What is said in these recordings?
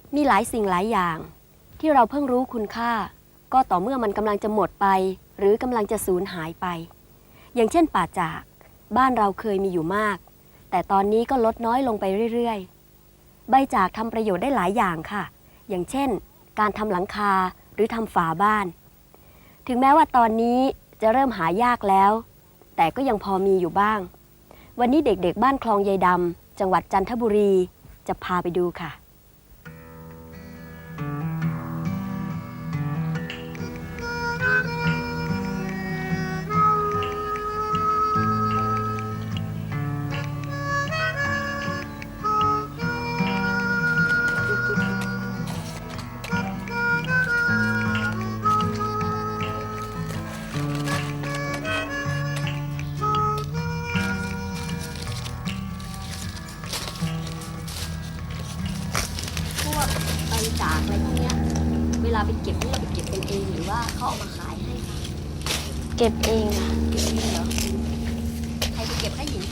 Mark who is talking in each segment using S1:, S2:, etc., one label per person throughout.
S1: มีหลายสิ่งหลายอย่างที่เราเพิ่งรู้คุณค่าก็ต่อเมื่อมันกำลังจะหมดไปหรือกำลังจะสูญหายไปอย่างเช่นป่าจากบ้านเราเคยมีอยู่มากแต่ตอนนี้ก็ลดน้อยลงไปเรื่อยๆใบจากทำประโยชน์ได้หลายอย่างค่ะอย่างเช่นการทำหลังคาหรือทำฝาบ้านถึงแม้ว่าตอนนี้จะเริ่มหายากแล้วแต่ก็ยังพอมีอยู่บ้างวันนี้เด็กๆบ้านคลองยายดำจังหวัดจันทบุรีจะพาไปดูค่ะใบจากอะไรพวกนี้เวลาไปเก็บนี่เราไปเก็บกันเองหรือว่าเขาเอามาขายให้คะ
S2: เก็บเองค่ะ
S1: เก็บเองเหรอใครไปเก็บให้หญิง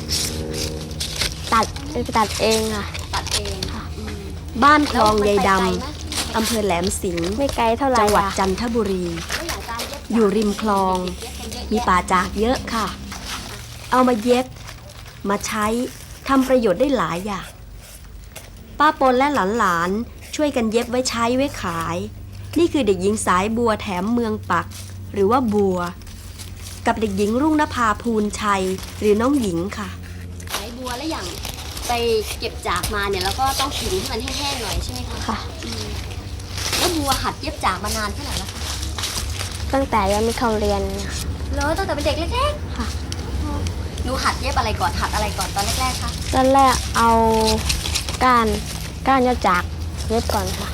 S2: ไปตัดเองค่ะ
S1: ตัดเองค่ะบ้านคลองยายดำอำเภอแหลมสิงห์
S2: ไม่ไกลเท่าไหร่
S1: จังหวัดจันทบุรีอยู่ริมคลองมีป่าจากเยอะค่ะเอามาเย็บมาใช้ทำประโยชน์ได้หลายอย่างป้าปนและหลานๆช่วยกันเย็บไว้ใช้ไว้ขายนี่คือเด็กหญิงสายบัวแถมเมืองปักหรือว่าบัวกับเด็กหญิงรุ่งนภาภูลชัยหรือน้องหญิงค่ะสายบัวและอย่างไปเก็บจากมาเนี่ยแล้วก็ต้องขึงให้มันแห้งๆหน่อยใช่ไหมคะ
S2: ค่ะ
S1: แล้วบัวหัดเย็บจากมานานเท่าไหร่แล้วคะ
S2: ตั้งแต่ยังไม่เข้าเรียน
S1: เลยตั้งแต่เป็นเด็กเล็กๆ
S2: ค่ะ
S1: หนูหัดเย็บอะไรก่อนหัดอะไรก่อนตอนแรกๆคะ
S2: ตอนแรกเอาก้านยอจากเย็บก่อนค่ะ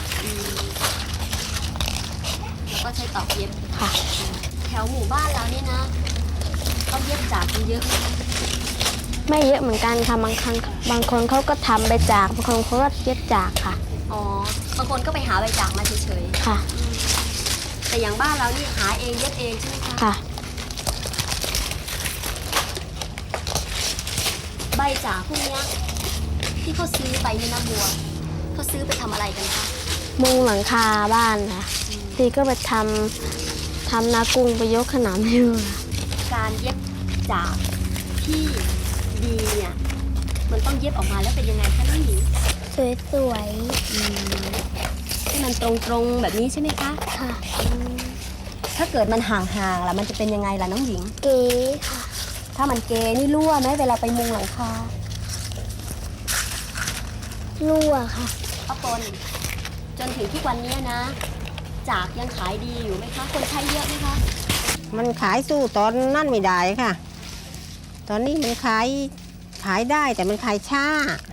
S1: แล้วก็ใช้ตอกเย็บ
S2: ค่ะ
S1: แถวหมู่บ้านเรานี่นะเขาเย็บจากกันเยอะไหม
S2: ไม่เยอะเหมือนกันค่ะบางคนเขาก็ทำใบจากบางคนเขาก็เย็บจากค่ะ
S1: อ๋อบางคนก็ไปหาใบจากมาเฉย
S2: ๆค่ะ
S1: แต่อย่างบ้านเรานี่หาเองเย็บเองใช่ไหมคะ
S2: ค่ะ
S1: ใบจากพวกนี้ที่เขาซื้อไปเนี่ยนะบัวเขาซื้อไปทำอะไรกันคะ
S2: มุงหลังคาบ้านค่ะทีก็ไปทำนากุ้งไปยกขนามอยู่
S1: การเย็บจากที่ดีเนี่ยมันต้องเย็บออกมาแล้วเป็นยังไงคะน้องหญิง
S2: สวย
S1: ๆให้มันตรงๆแบบนี้ใช่ไหมคะ
S2: ค่ะ
S1: ถ้าเกิดมันห่างๆล่ะมันจะเป็นยังไงล่ะน้องหญิง
S2: เก๋ค่ะ
S1: ถ้ามันเกนี่รั่วไหมเวลาไปมุงหลังคา
S2: รั่วค่ะ
S1: ป้าปนจนถึงทุกวันนี้นะจากยังขายดีอยู่ไหมคะคนใช้เยอะไหมคะ
S3: มันขายสู้ตอนนั่นไม่ได้ค่ะตอนนี้มันขายได้แต่มันขายช้า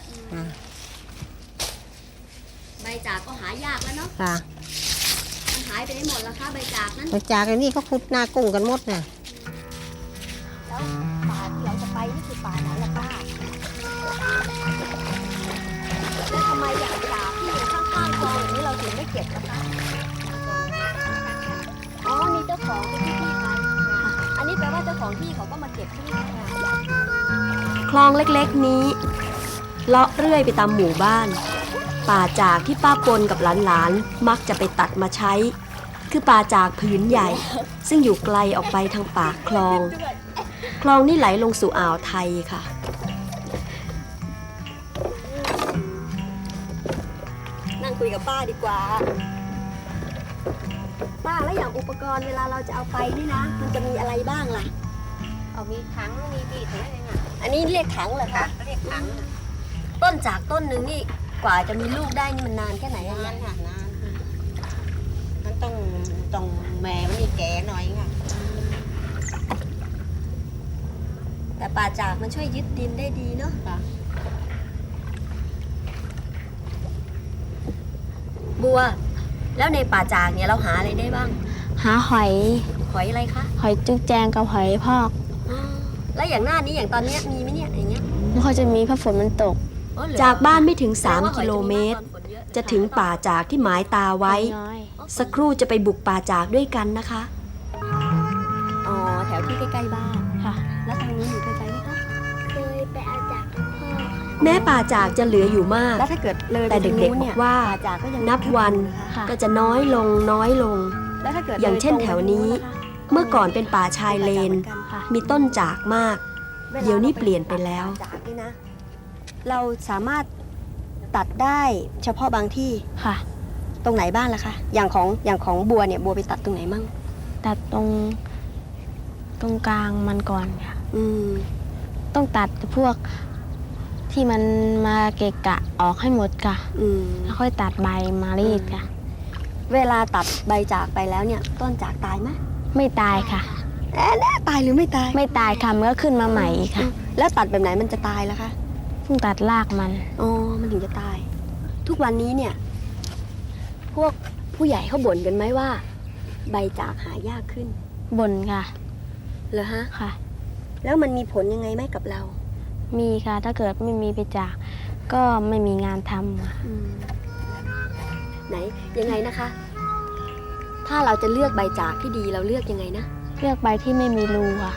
S1: ใบจากก็หายากแล้วเนาะ
S3: ค่ะ
S1: มันหายไปได้หมดแล้วคะใบจากนั้น
S3: ใบจากอันนี้เขาขุดนากุ้งกันหมดน่ะ
S1: แล้วป่าที่เราจะไปนี่คือป่าไหนล่ะป้าแล้วทำไมอย่างจากที่อยู่ข้างๆคลองอย่างนี้เราถึงไม่เก็บล่ะคะอ๋อมีเจ้าของเป็นที่ไปอันนี้แปลว่าเจ้าของที่เขาก็มาเก็บใช่ไหมคะคลองเล็กๆนี้เลาะเรื่อยไปตามหมู่บ้านป่าจากที่ป้าปนกับหลานๆมักจะไปตัดมาใช้คือป่าจากผืนใหญ่ซึ่งอยู่ไกลออกไปทางปากคลองนี่ไหลลงสู่อ่าวไทยค่ะนั่งคุยกับป้าดีกว่าป้าแล้วอย่างอุปกรณ์เวลาเราจะเอาไปนี่นะมันจะมีอะไรบ้างล่ะ
S3: เอามีถังมีบีดอะไรอย่างเงี้ย
S1: อันนี้เรียกถังเหรอคะ
S3: เรียกถัง
S1: ต้นจากต้นหนึ่งนี่กว่าจะมีลูกได้นี่มันนานแค่ไหนอะ
S3: นานค่ะนานมันต้องแม่มันนี่แก่หน่อยค่ะ
S1: แต่ป่าจากมันช่วยยึดดินได้ดีเนาะบัวแล้วในป่าจากเนี่ยเราหาอะไรได้บ้าง
S2: หาหอย
S1: อะไรคะ
S2: หอยจุกแจงกับหอยพอก
S1: แล้วอย่างหน้านี้อย่างตอนนี้มีไหมเนี่ยอย่างเงี้ย
S2: ไม่ค่อยจะมีเพราะฝนมันตก
S1: จากบ้านไม่ถึง3 กิโลเมตรจะถึงป่าจากที่หมายตาไว้สักครู่จะไปบุกป่าจากด้วยกันนะคะอ๋อแถวที่ใกล้ๆบ้าน
S2: ค่ะ
S1: แล้วทางนี้อยู่ไกลๆไหมคะ
S2: เคยไปเอาจากพ่อ
S1: แม้ป่าจากจะเหลืออยู่มาก
S3: แล้วถ้าเกิดเลย
S1: แต่เด็กๆบอกว่า
S3: ป่าจากก็ยัง
S1: นับวัน
S2: ค่ะ
S1: ก็จะน้อยลงน้อยลง
S3: แล้วถ้าเกิด
S1: อย่างเช่นแถวนี้ เมื่อก่อนเป็นป่าชายเลน
S2: ค่ะ
S1: มีต้นจากมาก เดี๋ยวนี้เปลี่ยนไปแล้ว
S3: จากนี่นะ เราสามารถตัดได้เฉพาะบางที่
S2: ค่ะ
S3: ตรงไหนบ้างล่ะคะอย่างของบัวเนี่ยบัวไปตัดตรงไหนมั่ง
S2: ตัดตรงกลางมันก่อนค่ะ
S3: อืม
S2: ต้องตัดพวกที่มันมาเกะกะออกให้หมดค่ะ
S3: อืม
S2: แล้วค่อยตัดใบมารีดค่ะ
S3: เวลาตัดใบจากไปแล้วเนี่ย ต้นจากตายไหม
S2: ไม่ตายค่ะ
S3: แน่ตายหรือไม่ตาย
S2: ไม่ตายค่ะมันก็ขึ้นมาใหม่อีกค่ะ
S3: แล้วตัดแบบไหนมันจะตายล่ะคะ
S2: เพิ่งตัดรากมัน
S3: อ๋อมันถึงจะตาย ทุกวันนี้เนี่ย พวกผู้ใหญ่เขาบ่นกันไหมว่า ใบจากหายากขึ้น
S2: บนค่ะ
S3: เหรอฮะ
S2: ค่ะ
S3: แล้วมันมีผลยังไงไหมกับเรา
S2: มีค่ะ ถ้าเกิดไม่มีไปจาก ก็ไม่มีงานทำค่ะ
S3: ไหนยังไงนะคะ ถ้าเราจะเลือกใบจากที่ดีเราเลือกยังไงนะ
S2: เลือกใบที่ไม่มีรูค่ะ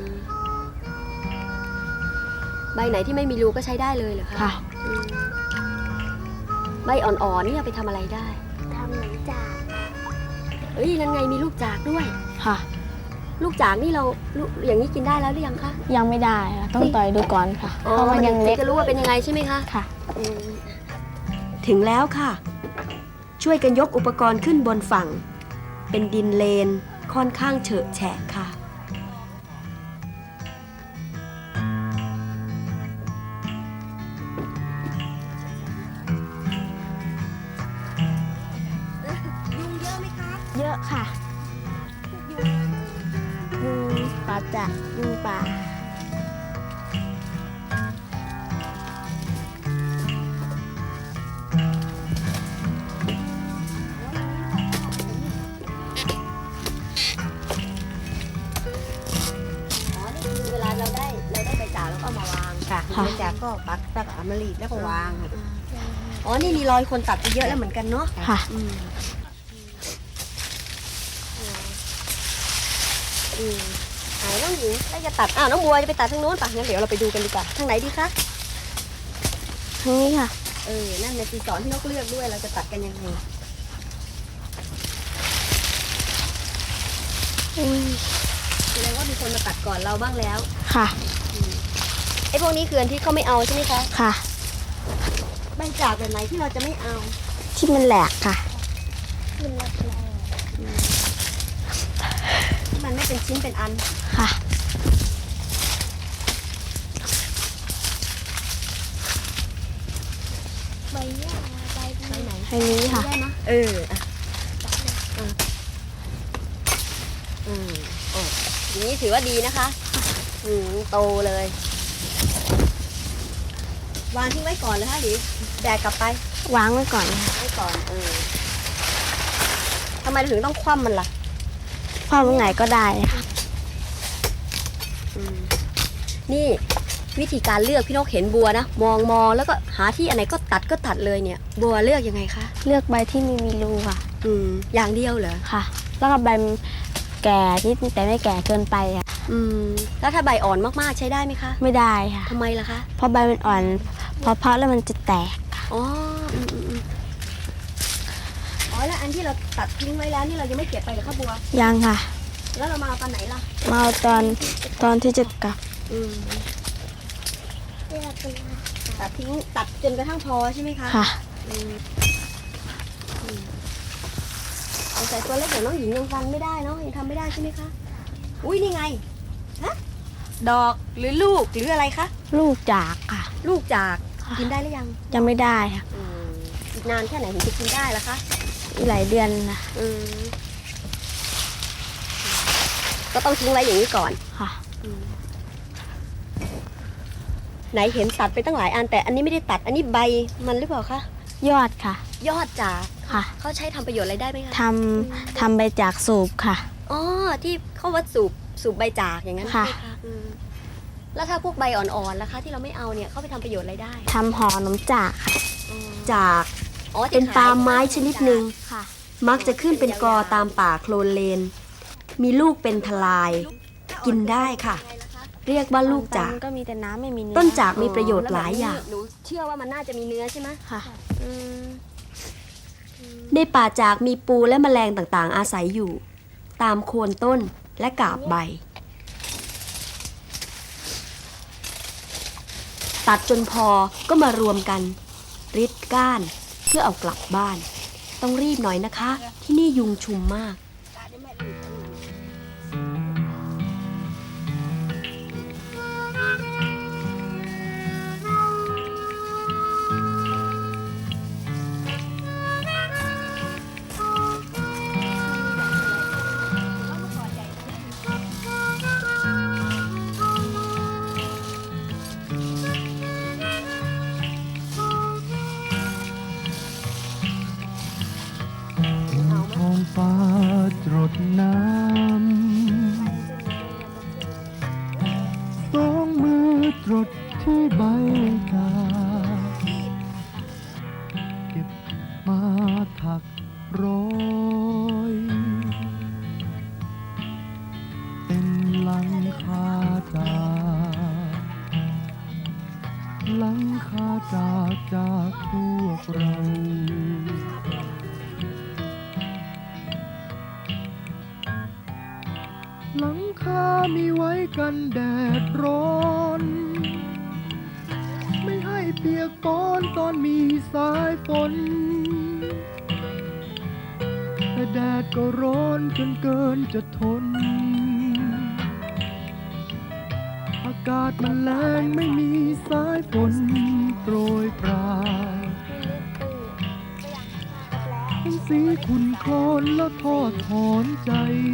S3: ใบไหนที่ไม่มีรูก็ใช้ได้เลยเหรอคะ
S2: ค่ะ
S3: อืมใบอ่อนๆนี่เอาไปทำอะไรได้
S2: ทำหนังจาก
S3: เอ้ยนั่นไงมีลูกจากด้วย
S2: ค่ะ
S3: ลูกจากนี่เราอย่างนี้กินได้แล้วหรือยังคะ
S2: ยังไม่ได้ค่ะต้องต่อยดูก่อนค่ะ เพราะมันยังเล็ก
S3: จะรู้ว่าเป็นยังไงใช่ไหมคะ
S2: ค่ะ
S3: อืม
S1: ถึงแล้วค่ะ ช่วยกันยกอุปกรณ์ขึ้นบนฝั่ง เป็นดินเลนค่อนข้างเฉอะแฉะค่ะ
S3: ยุงเยอะไหมคะ
S2: เยอะค่ะยุงป่าจะยุงป่า
S3: อ๋อ นี่คือเวลาเราได้ใบจากแล้วก็เอามาวาง
S2: ค่ะ
S3: ใบจากก็ปักตะกร้ามารีดแล้วก็วางอ๋อ นี่มีรอยคนตัดไปเยอะแล้วเหมือนกันเนาะ
S2: ค่ะ
S3: อืมไหนน้องหญิงแล้วจะตัด น้องบัวจะไปตัดทางโน้นป่ะงั้นเดี๋ยวเราไปดูกันดีกว่า ทางไหนดีคะ
S2: ทางนี้ค่ะ
S3: นั่นในตีสอนที่นกเลือกด้วย เราจะตัดกันยังไง
S2: อุ้ย
S3: แสดงว่ามีคนมาตัดก่อนเราบ้างแล้ว
S2: ค่ะ
S3: ไอ้พวกนี้คืออันที่เขาไม่เอาใช่ไหมคะ
S2: ค่ะ
S3: ใบจากแบบไหนที่เราจะไม่เอา
S2: ที่มันแหลกค่ะ
S3: ที่มันไม่เป็นชิ้นเป็นอัน
S2: ค่ะ
S3: ใบไหน
S2: ทางนี้ค่ะ
S3: ได้ไหมโอ้อย่างนี้ถือว่าดีนะคะโตเลย วางทิ้งไว้ก่อนเลยฮะหรือแบกกลับไป
S2: วางไว้ก่อนค่ะ
S3: ไว้ก่อนทำไมเราถึงต้องคว่ำมันล่ะ
S2: คว้าไว้ไหนก็ได้ค่ะ
S3: นี่วิธีการเลือกพี่นกเห็นบัวนะ มองแล้วก็หาที่อันไหนก็ตัดเลยเนี่ย บัวเลือกยังไงคะ
S2: เลือกใบที่ไม่มีรูค่ะ
S3: อย่างเดียวเหรอ
S2: ค่ะ แล้วก็ใบแก่นิดแต่ไม่แก่เกินไปค่ะ
S3: แล้วถ้าใบอ่อนมากๆใช้ได้ไหมคะ
S2: ไม่ได้ค่ะ
S3: ทำไมล่ะคะ
S2: เพราะใบมันอ่อน พอเพาะแล้วมันจะแตก
S3: อ๋อแล้วอันที่เราตัดทิ้งไว้แล้วนี่เรายังไม่เก็บไปเหรอคะบัว
S2: ยังค่ะ
S3: แล้วเรามาเอาตอนไหนล่ะ
S2: มาเอาตอนที่จะกลับ
S3: ตัดทิ้งตัดจนกระทั่งพอใช่ไหมคะ
S2: ค่ะ
S3: แต่ตัวเล็กเดี๋ยวน้องหญิงยังฟันไม่ได้เนาะยังทำไม่ได้ใช่ไหมคะ อุ้ยนี่ไงฮะดอกหรือลูกหรืออะไรคะ
S2: ลูกจากค่ะ
S3: ลูกจาก
S2: ค่ะ
S3: กินได้หรือยัง
S2: ยังไม่ได้ค่ะ
S3: อีกนานแค่ไหนถึงจะกินได้ล่ะคะ
S2: อีกหลายเดือนนะ
S3: ก็ต้องทิ้งไว้อย่างนี้ก่อน
S2: ค่ะ
S3: ไหนเห็นตัดไปตั้งหลายอันแต่อันนี้ไม่ได้ตัดอันนี้ใบมันหรือเปล่าคะ
S2: ยอดค่ะ
S3: ยอดจาก
S2: ค่ะ
S3: เขาใช้ทำประโยชน์อะไรได้ไหมคะ
S2: ทำใบจากสูบค่ะ
S3: อ๋อที่เขาวัดสูบใบจากอย่างนั้น
S2: ค่ะ
S3: ใช่ไหมคะแล้วถ้าพวกใบอ่อนๆล่ะคะ ที่เราไม่เอาเนี่ยเขาไปทำประโยชน์อะไรได้
S2: ทำห่อขนมจากค่ะ
S1: จาก
S3: อ๋อ
S1: เป็นปาล์มไม้ชนิดหนึ่ง
S2: ค่ะ
S1: มักจะขึ้นเป็นกอตามป่าโคลนเลน มีลูกเป็นทลาย กินได้ค่ะ
S3: เ
S1: เรียกว่าลูกจาก
S2: มันก็มีแต่น้ำไม่มีเนื้อ
S1: ต้นจากมีประโยชน์หลายอย่าง
S3: หนูเชื่อว่ามันน่าจะมีเนื้อใช่ไหม
S2: ค่ะ
S1: ในป่าจากมีปูและแมลงต่างๆ อาศัยอยู่ ตามโคนต้นและกาบใบ ตัดจนพอก็มารวมกันริดก้านเพื่อเอากลับบ้าน ต้องรีบหน่อยนะคะ ที่นี่ยุงชุมมาก
S4: ท้องฟ้าจรดน้ำสองมือจรดที่ใบกาเก็บมาถักร้อยเป็นหลังคาจากพวกเรา หลังคามีไว้กันแดดร้อน ไม่ให้เปียกปอนตอนมีสายฝน แต่แดดก็ร้อนจนเกินจะทน อากาศมันแรงไม่มีสายฝนโปรยปลายเห็นสีขุ่นโคลนแล้วทอดถอนใจ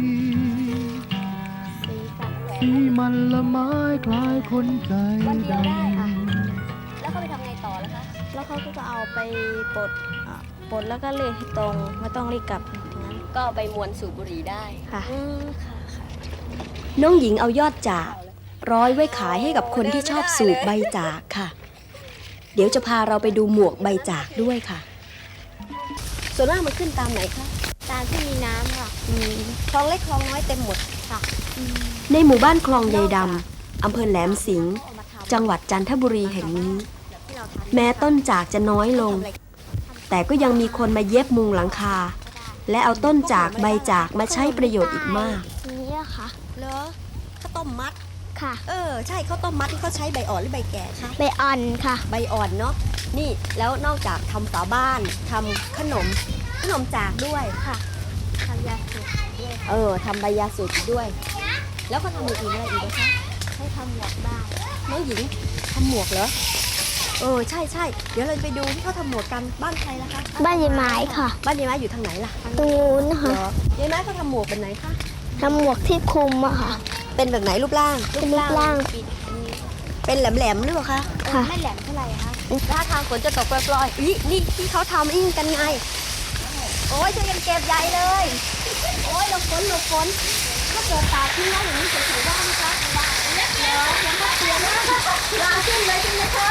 S4: สีมันละไม้คล้ายคนใจดำ
S3: แล้วเขาไปทำไงต่อแล้วคะ
S2: แล้วเขาก็จะเอาไปปลดปลดแล้วก็เลีให้ตรงไม่ต้องรีบกลับตรงนั้น
S3: ก็ไปมวนสูบบุหรี่ได้
S2: ค่ะ
S3: ค่ะค่ะ
S1: น้องหญิงเอายอดจากร้อยไว้ขายให้กับคนที่ชอบสูบใบจากค่ะ เดี๋ยวจะพาเราไปดูหมวกใบจากด้วยค่ะ
S3: ส่วนมากมันขึ้นตามไหนคะ
S2: ตามที่มีน้ำค่ะ
S3: คลองเล็กคลองน้อยเต็มหมดค่ะ
S1: ในหมู่บ้านคลองยายดำอำเภอแหลมสิงห์จังหวัดจันทบุรีแห่งนี้ แม้ต้นจากจะน้อยลง แต่ก็ยังมีคนมาเย็บมุงหลังคา และเอาต้นจากใบจากมาใช้ประโยชน์อีกมาก
S2: นี่อะค่ะ
S3: เหรอข้าวต้มมัด
S2: ค่ะ
S3: ใช่ข้าวต้มมัดที่เขาใช้ใบอ่อนหรือใบแก่คะ
S2: ใบอ่อนค่ะ
S3: ใบอ่อนเนาะนี่แล้วนอกจากทำฝาบ้านทำขนมจากด้วย
S2: ค่ะทำยาสูบด้วย
S3: ทำใบยาสูบด้วย แล้วก็ทำอย่างอื่นอะไรอีกนะคะ
S2: ให้ทำหมวกได้
S3: น้องหญิงทำหมวกเหรอใช่ใช่เดี๋ยวเราไปดูที่เขาทำหมวกกันบ้านใครล่ะคะ
S2: บ้านยายไม้ค่ะ
S3: บ้านยายไม้อยู่ทางไหนล่ะ
S2: ตรงนู้นนะ
S3: เหร
S2: คะ
S3: อยายไม้เขาทำหมวกเป็นไหนคะ
S2: ทำหมวกที่คลุมอะค่ะ
S3: เป็นแบบไหนรูปร่าง
S2: เป็นรูปร่าง
S3: เป็นแหลมๆหรือเปล่าคะ
S2: ค่ะ
S3: ไม่แหลมเท่าไหร่คะถ้าทางฝนจะตกปล่อยๆนี่ที่เขาทำนี่กันไงโอ้ยช่วยกันเก็บใหญ่เลยโอ้ยหลบฝนถ้าเกิดตากทิ้งไว้อย่างนี้จะถือว่าไหมคะเดี๋ยวยังก็เปลี่ยนนะลาขึ้นเลยใช่ไหมคะ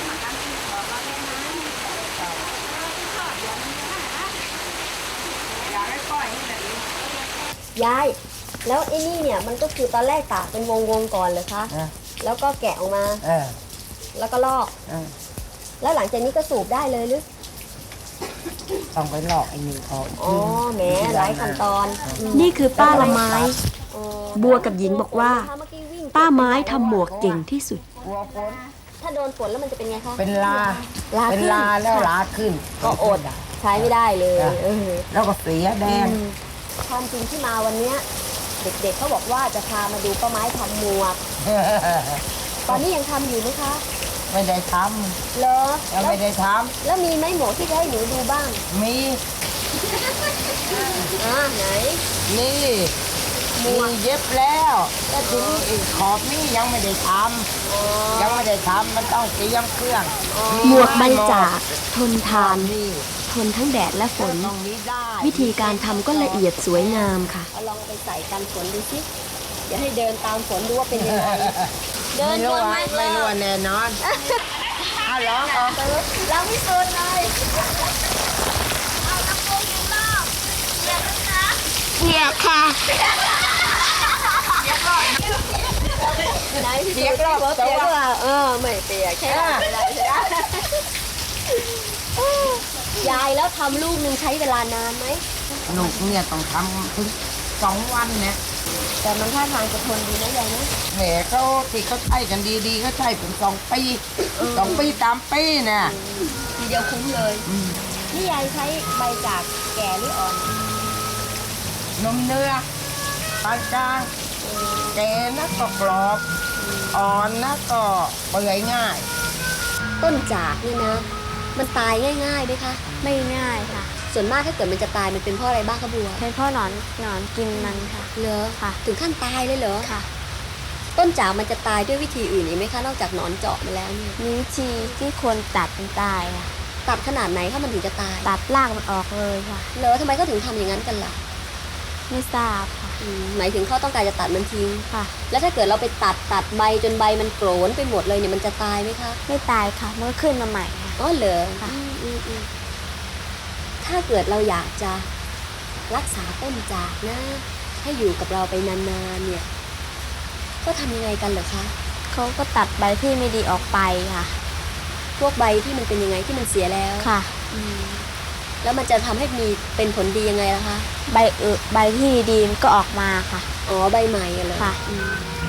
S3: ยายแล้วไอ้นี่เนี่ยมันก็คือตอนแรกตากเป็นวงก่อนเลยคะแล้วก็แกะออกมาแล้วก็ลอกแล้วหลังจากนี้ก็สูบได้เลยหรือ
S5: ต้องไปลอกไอ้นี่ออก
S3: อ๋อแหมหลายขั้นตอน
S1: นี่คือป้าละไม้ บัวกับหญิงบอกว่า ป้าไม้ทำหมวกเก่งที่สุด
S5: กลัวฝน
S3: ถ้าโดนฝนแล้วมันจะเป็นไงคะ
S5: เป็นลา
S3: ขึ้
S5: เป็นลาแล้วลาขึ้น
S3: ก็อดใช้ไม่ได้เลย
S5: แล้วก็เสียแดง
S3: ความจริงที่มาวันเนี้ยเด็กๆเขาบอกว่าจะพามาดูป้าไม้ทำหมวก ตอนนี้ยังทำอยู่ไหมคะ
S5: ไม่ได้ท
S3: เหรอ
S5: ำยังไม่ได้ท
S3: แล้วมีไหมหมวกที่จะให้หนูดูบ้าง
S5: ำมี
S3: ไหน
S5: นี่มีเย็บแล้วแต่ทีนี้อีกขอบนี่ยังไม่ได้ทำยังไม่ได้ทำมันต้องเตรียมเครื่อง
S1: หมวกใบจากทนทาน
S5: นี่
S1: ทนทั้งแดดและฝน
S5: ต้องมีได้
S1: วิธีการทำก็ละเอียดสวยงามค่ะ
S3: เอาลองไปใส่กันฝนดูสิเดี๋ยวให้เดินตามฝนดูว่าเป็นยังไง เดิน
S5: ไม่
S3: ช
S5: รู้
S3: น
S5: ว่า
S3: ไหม
S5: ไม่รู้ว่าแน่นอนเอาลองออก
S3: เราไม่สุดเลย
S2: เหยียบค่ะ
S3: เไหนพี่
S5: เปียกรอบ
S3: เปียก
S5: ตัว
S3: ว่าไม่เปียกแค่ไม่ได้ใช่ไหมยายแล้วทำลูกหนึ่งใช้เวลานานไหม
S5: ลูกเนี่ยต้องทำถึง2 วันเนี่ย
S3: แต่มันท่าทางจะทนดีนะยายนะ
S5: แหมเขาที่เขาใช้กันดีๆก็ใช้เป็น2 ปี2 ปี3 ปีเนี่ย
S3: ทีเดียวคุ้มเลย นี่ยายใช้ใบจากแก่หรืออ่อน
S5: นมเนื้อปานกลางแก่นะก็กรอบอ่อนนะก็เปื่อยง่าย
S3: ต้นจากนี่นะ มันตายง่ายๆไหมคะ
S2: ไม่ง่ายค่ะ
S3: ส่วนมากถ้าเกิดมันจะตายมันเป็นเพราะอะไรบ้างคะบัว
S2: เป็นเพราะหนอนกินมันค่ะ
S3: เหรอ
S2: ค่ะ
S3: ถึงขั้นตายเลยเหรอ
S2: ค่ะ
S3: ต้นจากมันจะตายด้วยวิธีอื่นอีกไหมคะนอกจากหนอนเจาะมาแล้วเนี่ย
S2: มีวิธีที่ควรตัดมันตายค่ะ
S3: ตัดขนาดไหนถ้ามันถึงจะตาย
S2: ตัดรากมันออกเลยค่ะ
S3: เหรอทำไมเขาถึงทำอย่างนั้นกันล่ะ
S2: ไม่ทราบค่ะ
S3: หมายถึงเขาต้องการจะตัดมันทิ้ง
S2: ค่ะ
S3: แล้วถ้าเกิดเราไปตัดใบจนใบมันโกรนไปหมดเลยเนี่ยมันจะตายไหมคะ
S2: ไม่ตายค่ะมันก็ขึ้นมาใหม่ค่ะ
S3: อ๋อเหรอ
S2: ค่ะ
S3: อืมถ้าเกิดเราอยากจะรักษาต้นจากนะ ให้อยู่กับเราไปนานๆเนี่ย ก็ทำยังไงกันเหรอคะ
S2: เขาก็ตัดใบที่ไม่ดีออกไปค่ะ
S3: พวกใบที่มันเป็นยังไงที่มันเสียแล้ว
S2: ค่ะ
S3: แล้วมันจะทำให้มีเป็นผลดียังไงล่ะคะ
S2: ใบที่ดีมันก็ออกมาค่ะ
S3: อ๋อใบใหม่อะเหรอ
S2: ค่ะ
S3: อืม